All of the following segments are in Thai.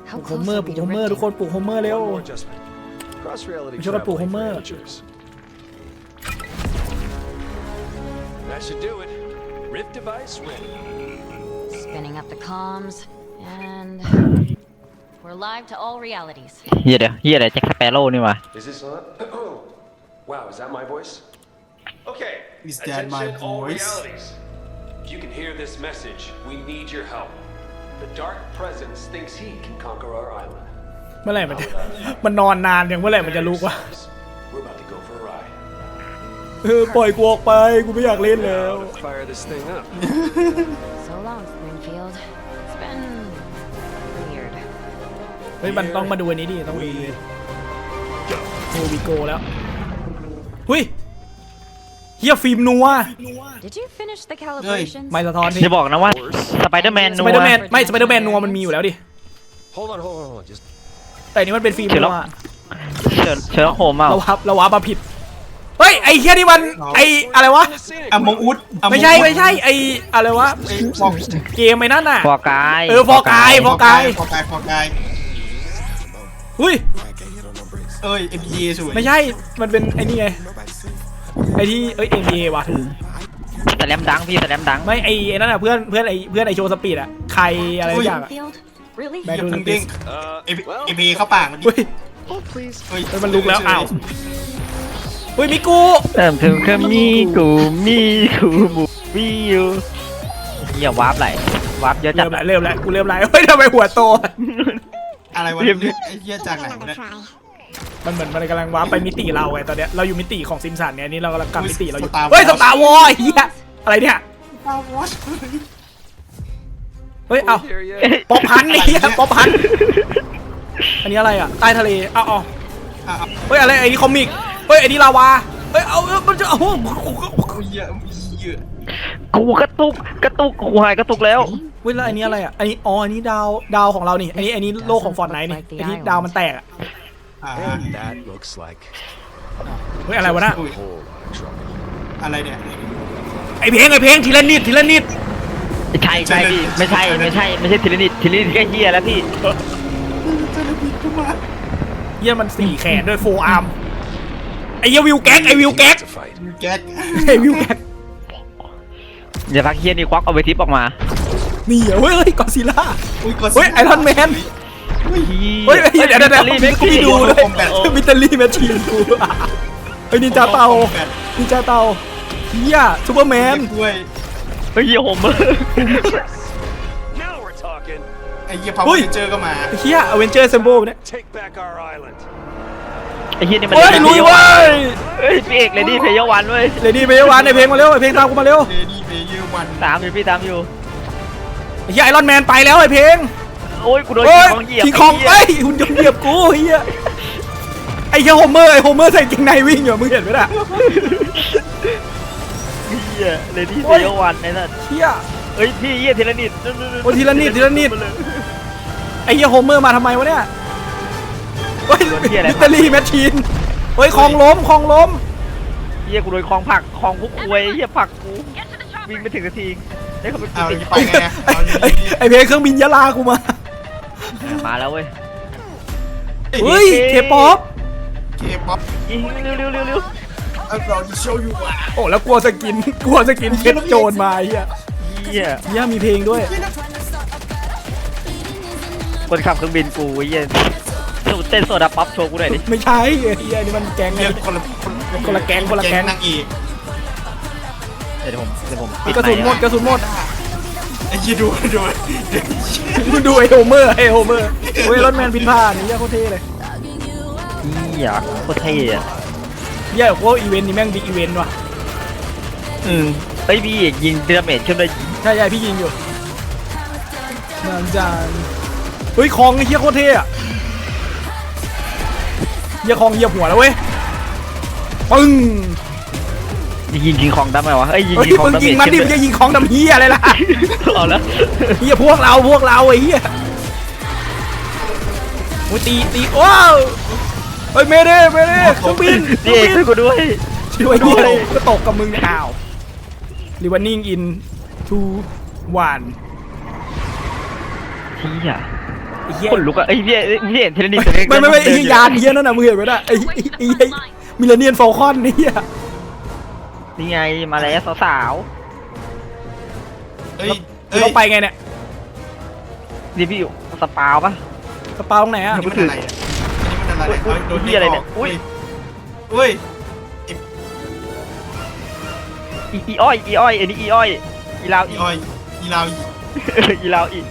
ปลูกโฮเมอร์ทุกคนปลูกโฮเมอร์เร็ว ช่วยกันปลูกโฮเมอร์ That should do it. Rift device ready. Spinning up the comms, and we're live to all realities. เฮียอะไรแจ็คสเปโร่นี่วะ Is this on? Wow, is that my voice? Okay. Is that my Attention, all voice? realities. If you can hear this message, we need your help. The Dark Presence thinks he can conquer our island. เมื่อไหร่มันจะมันนอนนานอย่างเมื่อไหร่มันจะลุกวะ We're about to go for a ride. ปล่อยกูออกไปกูไม่อยากเล่นแล้ว Now to fire this thing up. So long, Springfield. It's been weird. เฮ้ยมันต้องมาดูอันนี้ดิต้องดูโฮวิโกแล้วเฮ้ยเฮียฟิล์มนัว Did you finish the calibrations? ไม่สะท้อนสิจะบอกนะว่าสไปเดอร์แมนสไปเดอร์แมนไม่สไปเดอร์แมนนัวมันมีอยู่แล้วดิ Hold on. Just แต่อันนี้มันเป็นฟิล์มนัวเชื้อโคมเอาเราวามาผิดเฮ้ยไอ้เฮียนี่มันไอ้อะไรวะอมงอุดไม่ใช่ไอ้อะไรวะเกมไอ้นั่นน่ะฟอร์กายฟอร์กายฟอกายอุ้ยเอ้ย MPA สวยไม่ใช่มันเป็นไอ้นี่ไงไอ้ที่NBA ว่ะถูกสแลมดังพี่สแลมดังไม่ไอ้นั่นน่ะเพื่อนไอ้โชว์สปีดอะใครอะไรสักอย่างอะ Springfield? Really? แบงอย่าค์เพิ่งเด้ง well, MPA เข้าปากมันเฮ้ย please. เฮ้ยมันลุกแล้วอ้าวเฮ้ยมิกูเติมถึงคือมีกูมูมีอยู่เฮียวาร์ปไหลวาร์ปเยอะจัดเริ่มแล้วกูเริ่มแล้วเฮ้ยทำไมหัวโตอะไรวะเนี่ยไอ้เหี้ยจากไหนวะเนี่ยมันเหมือนมันกำลังว้าร์ปไปมิติเราไงตอนเนี้ยเราอยู่มิติของซิมสันเนี่ยนี่เรากำลังกลับมิติเราอยู่เฮ้ยสตาร์วอร์เฮียอะไรเนี่ย เฮ้ย เอา Here yet? ป๊อปพันนี่ป๊อปพันอันนี้อะไรอ่ะ ใต้ทะเลเอาเฮ้ย อะไรไอ้นี่คอมิก เฮ้ย ไอ้นี่ลาวา เฮ้ย เอามันจะเอาเหี้ยกูกระตุกกูหายกระตุกแล้วเฮ้ย แล้วอันนี้อะไรอ่ะ อันนี้ อ๋อ อันนี้ดาวของเรานี่ อันนี้โลกของฟอร์ตไนท์นี่ ไอ้ที่ดาวมันแตกอ่ะ And that looks like เฮ้ย อะไรวะน่ะ a whole lot of trouble. อะไรเนี่ยไอ้เพลงทีละนิดใช่พี่ไม่ใช่ทีละนิดแค่เฮียแล้วพี่เยี่ยมัน4 แขนด้วย4 อาร์ม ไอ้เยี่ยวิวแก๊ก To fight. แก๊กไอ้วิวแก๊กอย่าพักเฮียนี่ควักเอาไปทิปออกมานี่เฮ้ยกอซิล่า เฮ้ย ไอรอนแมน เฮ้ย เดี๋ยวกูไม่ดูเลยมิตาลีแมชชีนกูเฮ้ยนินจาเตาเฮียซูเปอร์แมนด้วยเฮ้ยโฮเมอร์ Now we're talking. ไอ้เหี้ยพาวเวอร์เจอร์ก็มาเฮียอเวนเจอร์เซมโบเนี่ย Take back our island. ไอ้เฮียนี่มันเฮ้ยลุยเว้ยเฮ้ยพี่เอกเลยดิเพย์วันเว้ยเลดี้ไปวานในเพลงมาเร็วไอเพลงตามกูมาเร็วเดดี้เบย์วันตามอยู่พี่ตามอยู่เฮียไอรอนแมนไปแล้วไอเพลงโอ้ยกูโดนเฮ้ยของเหยียบคิงคองเอ้ยหุ่นยนต์เหยียบกูเฮียไอเฮียโฮเมอร์ใส่เกงในวิ่งอยู่มึงเห็นไหมล่ะเฮียเลยดิเพย์วันไอ้นั่นเฮียเฮ้ยพี่เฮียทีละนิดโอ้ทีละนิดไอเฮียโฮเมอร์มาทำไมวะเนี่ยเฮ้ยมิตาลีแมชชีนเฮ้ยคลองล้มเฮียกูโดนคลองผักคลองคุกควยเฮียผักกูวิ่งไปถึงนาทีได้เขาไปเอาติดไปไงไอเพลงเครื่องบินยะลากูมามาแล้วเว้ยเฮ้ยเคป๊อปเคป๊อปยิงเร็วเราจะโชว์ยูอ่ะโอ้แล้วกลัวสกินเพชรโจรมาเฮียเฮียเฮียมีเพลงด้วยคนขับเครื่องบินกูเฮียเต้นโซดาป๊อปโชว์กูหน่อยดิไม่ใช่เฮียนี่มันแก๊งเหี้ยคนละแก๊งนางเอกเดี๋ยวผมกระสุนหมดไอ้เหี้ยดูมึงดูไอโฮเมอร์เฮ้ยรถแมนบินผ่านนี่เฮียโคตรเท่เลยเฮียโคตรเท่อะเฮียโคตรอีเวนต์นี่แม่งบิ๊กอีเวนต์ว่ะเฮ้ยพี่เอกยิงดาเมจขึ้นเลยใช่พี่ยิงอยู่นานจานเฮ้ยคองไอ้เฮียโคตรเท่อะเฮียคองเหยียบหัวแล้วเว้ยปึ้งยิงคิงคองได้ไหมวะเอ้ยยิงเฮ้ยคิงคองมึงดาเมยิงจมันดิขึ้มึนงจะยิงคองดำเฮียอะไรล่ะเอาแล้วเฮียพวกเราไอ้เฮียโอ้ยตีว้าวเฮ้ยเมเด้เครื่องบินพี่เอกช่วยกูด้วยช่วยเฮียอะไรก็ตกกับมึงอ้าวรีวันนิ่งอินทูวันเฮียอ้เหี้ยคนลุกอะเอ้ยพี่เห็นเทเลนิสตัวเล็กไม่ไอ้เดินอยู่ยานเหี้ยนั่นน่ะมึงเห็นไหมน่ะไอ้มิลเลนเนียนฟอลคอนนี่อ่ะนี่ไงมาแล้วสาวเฮ้ยเราไปไงเนี่ยๆนี่พี่อยู่สปาวปะกระเป๋าตรงไหนอ่ะนี่มันอะไรอ่ะนี่มันอะไรโดนพี่อะไรเนี่ยอุ้ยอุ้ยอีอ้อยอันนี้อีอ้อยอีลาวอีอีออยอีลาวอีลาวอี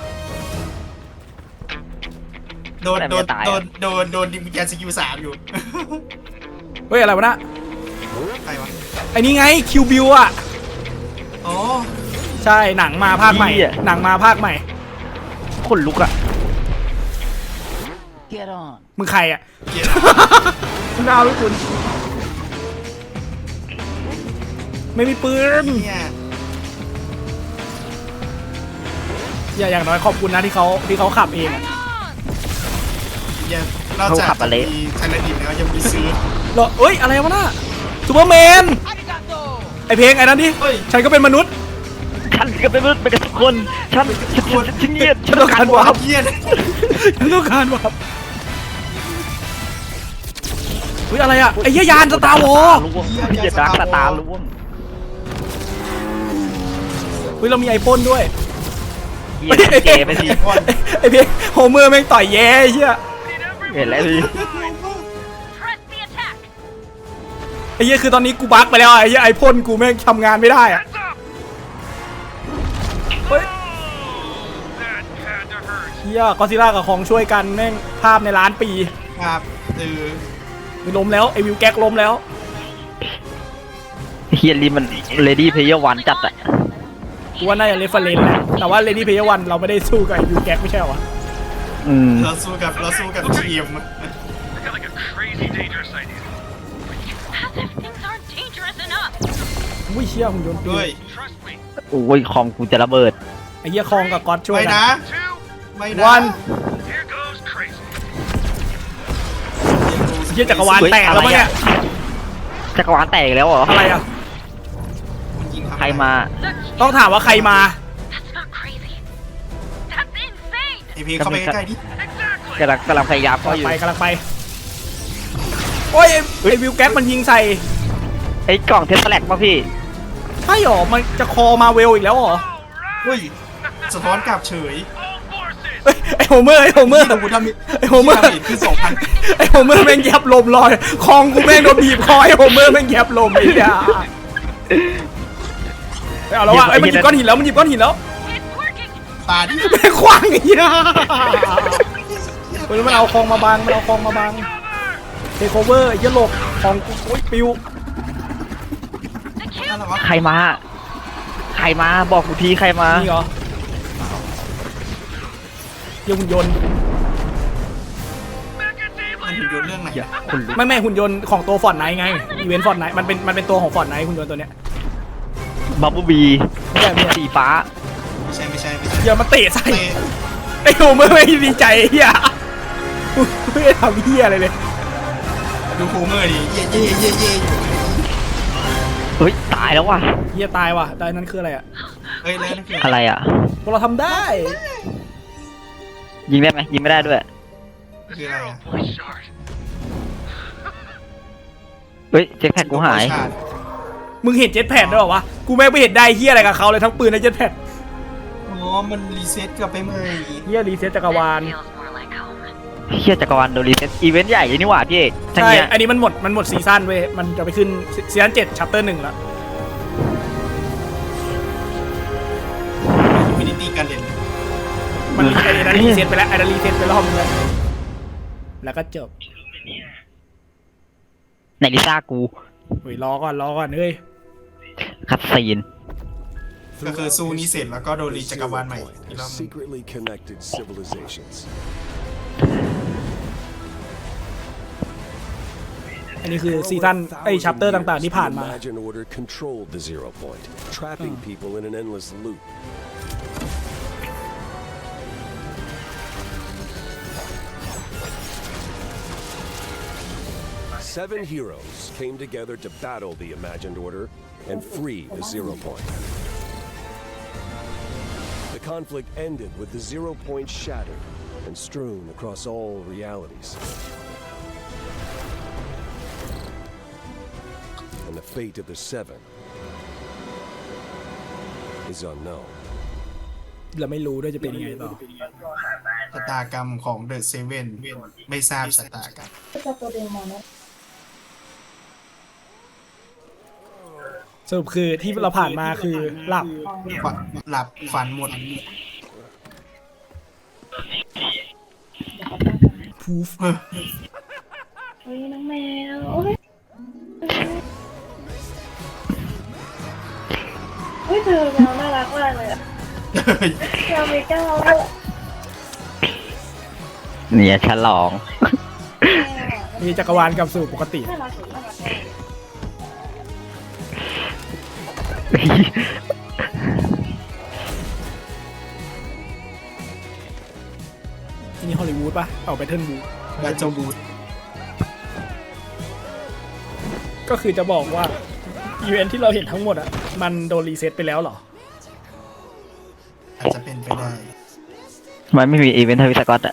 โดนดิมแกนสกิล3อยู่เฮ้ยอะไรวะน่ะใครวะไอ้นี่ไงคิวบิวอ่ะอ๋อใช่หนังมาภาคใหม่หนังมาภาคใหม่คนลุกอะมึงใครอ่ะเกลียดมึงเอาไหมคุณไม่มีปืนเนี่ยอย่างน้อยขอบคุณนะที่เขาขับเองอะนอกจากมีไทยแลนด์แล้วยังมีซื้อเหรอเอ้ยอะไรวะน่ะซูเปอร์แมนไอเพลงไอ้นั่นดิฉันก็เป็นมนุษย์ฉันก็เป็นมนุษย์เป็นกันทุกคนฉันเงียบฉันต้องการวาร์ปเยี่ยนฉันต้องการวาร์ปเฮ้ยอะไรอ่ะไอ้เหี้ยยานสตาร์วอร์ล่วงพี่จะดักตาล่วงเฮ้ยเรามีไอพ่นด้วยเฮียเจไปสิไอเพลงโฮเมอร์แม่งต่อยแย่ไอ้เหี้ยเห็นแล้วพี่ Press the attack. ไอ้เหี้ยคือตอนนี้กูบั๊กไปแล้วอะไอ้เหี้ยไอพ่นกูแม่งทำงานไม่ได้อ่ะเฮ้ยเหี้ยก็อดซิลล่ากับของช่วยกันแม่งภาพในล้านปีครับไม่ล้มแล้วไอวิวแก๊กล้มแล้วเฮียรีมันเลดี้เพลเยอร์วันจัดอะกูว่าน่าจะเรฟเฟอเรนซ์แหละแต่ว่า Lady Player One เราไม่ได้สู้กับไอ้วิวแก๊กไม่ใช่เหรอวะเราสู้กับทีม As if things aren't dangerous enough. อุ้ยเชี่ยหุ่นยนต์ปีด้วยโอ้ยคอมกูจะระเบิดไอ้เหี้ยคองกับก๊อตช่วยไม่กันะนไม่นะวันเหี้ยจักรวาลแตกแล้วมั้งเนี่ยจักรวาลแตกแล้วเหรออะไรอ่ะใครมาต้องถามว่าใครมา That's not crazy. That's insane. ไอพีเข้าไปใกล้ๆดิกำลังพยายามเข้าอยู่กำลังไปโอ้ยไอ้วิวแก๊กมันยิงใส่ไอ้กล่องเทสแลกป่ะพี่ใช่หรอมันจะคอมาเวลอีกแล้วหรอเฮ้ยสะท้อนกลับเฉยเอ้ยไอ้โฮเมอร์ไอ้โฮเมอร์ที่กูทำไอ้โฮเมอร์คือ 2,000 ไอ้โฮเมอร์แม่งแยบลมลอยคองกูแม่งโดนบีบคอไอ้โฮเมอร์แม่งแยบลมไอ้เหี้ยเอาแล้วว่ะไอ้มันหยิบก้อนหินแล้วมันหยิบก้อนหินแล้ว It's working. ตาดิแม่งขวางไอ้เหี้ยเฮ้ยมันเอาคองมาบังมันเอาคองมาบังเทคโอเวอร์ไอ้เหี้ยหลบคองกูโอ๊ยปิวอะไรวะใครมาบอกกูทีใครมานี่เหรอเหี้ยหุ่นยนต์มันถึงโดนเรื่องไหนคนลุกไม่หุ่นยนต์ของตัวฟอร์ตไนท์ไงอีเวนต์ฟอร์ตไนท์มันเป็นตัวของฟอร์ตไนท์หุ่นยนต์ตัวเนี้ยบับเบิ้ลบีไม่ใช่ไม่ใช่สีฟ้าไม่ใช่อย่ามาเตะใส่เตะไอ้โฮเมอร์ไม่ดีใจไอ้เหี้ยไม่ได้ทำเหี้ยอะไรเลยดูโฮเมอร์ดิเย่อยู่เฮ้ยตายแล้วว่ะเหี้ยตายว่ะแต่นั้นคืออะไรอ่ะเฮ้ยแล้วนั่นคืออะไรอ่ะพวกเราทำได้ยิงได้ไหมยิงไม่ได้ด้วยคืออะไรอ่ะเฮ้ยเจ็คแพดกูหายมึงเห็นเจ็ตแพดด้วยเหรอวะกูแม่งไม่เห็นได้เหี้ยอะไรกับเขาเลยทั้งปืนและเจ็ตแพดอ๋อมันรีเซ็ตกลับไปใหม่เหี้ยรีเซ็ตจักรวาล Feels more like home. เฮียจักรวาลโดนรีเซ็ตอีเวนต์ใหญ่เลยนี่หว่าพี่เอกทั้งใช่เนี้ยอันนี้มันหมดซีซั่นเว้ยมันจะไปขึ้นซีซั่น7 ชัปเตอร์ 1แล้วอินฟินิตี้การเด่นมันมีไอ้นั้นรีเซ็ตไปแล้วไอ้นั้นรีเซ็ตไปรอบนึงแล้วก็จบไหนลิซ่ากูเฮ้ยรอก่อนเฮ้ยคัดซีนก็คือสู้นี้เสร็จแล้วก็โดนรีจักรวาลใหม่อีกรอบ Secretly connected civilizations. อันนี้คือซีซั่นไอ้ชัปเตอร์ต่างๆที่ผ่านมา Imagine Order controlled the Zero Point, trapping people in an endless loop. Seven heroes came together to battle the Imagined Order and free the Zero Point. The conflict ended with the Zero Point shattered and strewn across all realities. And the fate of the Seven is unknown. เราไม่รู้ด้วยจะเป็นยังไงต่อชะตากรรมของเดอะเซเว่นไม่ทราบชะตากรรมสรุปคือที่เราผ่านมาคือหลับหลับฝันหมดพูฟเฮ้ยน้องแมวโอ้ยเฮ้ยเธอแมวน่ารักมากเลยอะแมวมีก้าวอะเนี่ยฉลองมีจักรวาลกลับสู่ปกติน่ารักสุดน่ารักมากที่นี่ฮอลลีวูดปะเอาไปเทิร์นบูและเจ้าบูธก็คือจะบอกว่าอีเวนท์ที่เราเห็นทั้งหมดอ่ะมันโดนรีเซ็ตไปแล้วเหรออาจจะเป็นไปได้มันไม่มีอีเวนต์ทวิสกอตอะ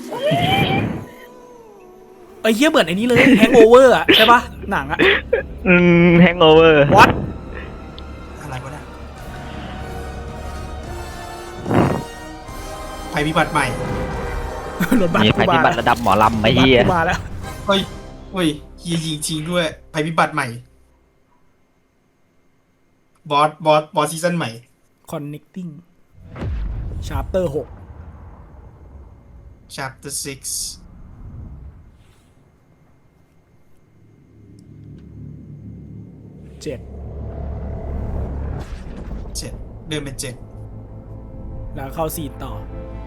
เอ้ยเหี้ยเหมือนไอ้นี้เลยแฮงโอเวอร์อ่ะใช่ปะหนังอ่ะแฮงโอเวอร์วัดอะไรก็ได้ภัยพิบัติใหม่รถบัสมีกูภัยพิมาบัติระดับหมอลำไอ้เหี้ยรถบัสกูมาแล้วเฮ้ยเฮียยิงจริงด้วยภัยพิบัติใหม่ บอสซีซั่นใหม่ connecting chapter 6 chapter 6 7 7เดินเป็น7 แล้วเข้าซีนต่อ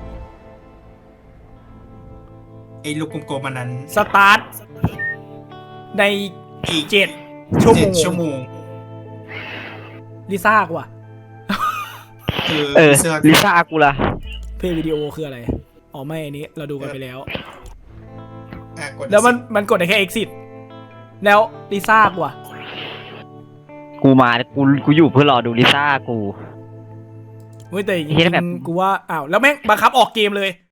ไอ้ลูกกลมๆมันนั้นสตาร์ทในอีก7 ชั่วโมง 7 ชั่วโมงลิซ่ากูอะลิซ่ากูล่ะเพลย์วิดีโอคืออะไร อ๋อไม่อันนี้เราดูกันไปแล้วกดแล้วมันกดได้แค่ exit แล้วลิซ่ากูอะกูมากูอยู่เพื่อรอดูลิซ่ากูเฮ้ยแต่จริเหี้ยแบบงๆกูว่าอ้าวแล้วแม่งบังคับออกเกมเลย